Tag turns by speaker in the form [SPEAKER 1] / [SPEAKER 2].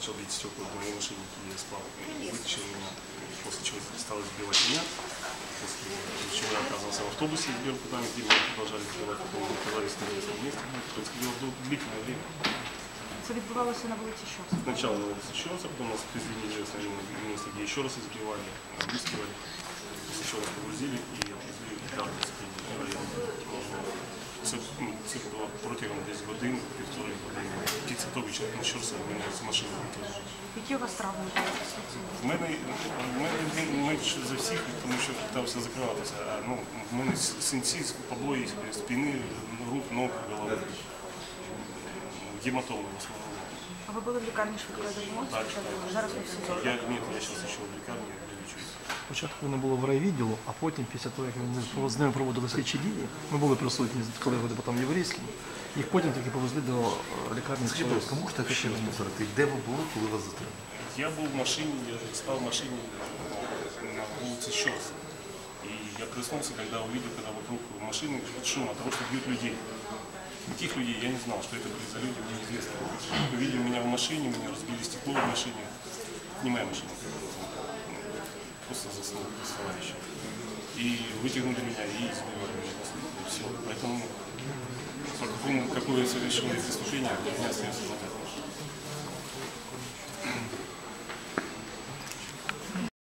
[SPEAKER 1] начал бить стекла в моей машине, я спал, вытащил меня, после чего стал избивать меня, после чего я оказался в автобусе с беркутами, где меня продолжали избивать, потом мы оказались на местном месте, происходило длительное время.
[SPEAKER 2] Це відбувалося на вулиці Щорса?
[SPEAKER 1] Сначала на улице Щорса, потом нас привезли в неизвестное место, где еще раз избивали, обыскивали, после чего нас погрузили и отвезли в Дарницький район. Це було протягом десь годин, півтори години. Після того, як на Щорса мене з машини викинули.
[SPEAKER 2] Які у вас травми були після цього?
[SPEAKER 1] В мене менше за всіх, тому що питався закриватися. В мене синці, побої спини, рук, ног, голови. Гематоми в основному.
[SPEAKER 2] А ви були в лікарні швидкої допомоги?
[SPEAKER 1] Так.
[SPEAKER 2] Зараз ви в СІЗО?
[SPEAKER 1] Я зараз ще в лікарні лічуся.
[SPEAKER 3] Спочатку вони було в райвідділу, а потім, після того, як вони з ними проводили слідчі дії, ми були присутні з колегою-депутатом Єврейським, їх потім таки повезли до лікарні.
[SPEAKER 4] Скажіть, можете ще раз повторити, де ви були, коли вас затримали?
[SPEAKER 1] Я был в машине, я спал в машине на улице Щорса. И я проснулся, когда увидел, когда вокруг машины шум от того, что бьют людей. Таких людей я не знал, что это были за люди, мне неизвестно. Увидели меня в машине, меня разбили стекло в машине. Не моя машина, просто заснул с товарищем. И вытянули меня и избивали меня после этого. И все. Поэтому, какое совершилось преступление, у меня остается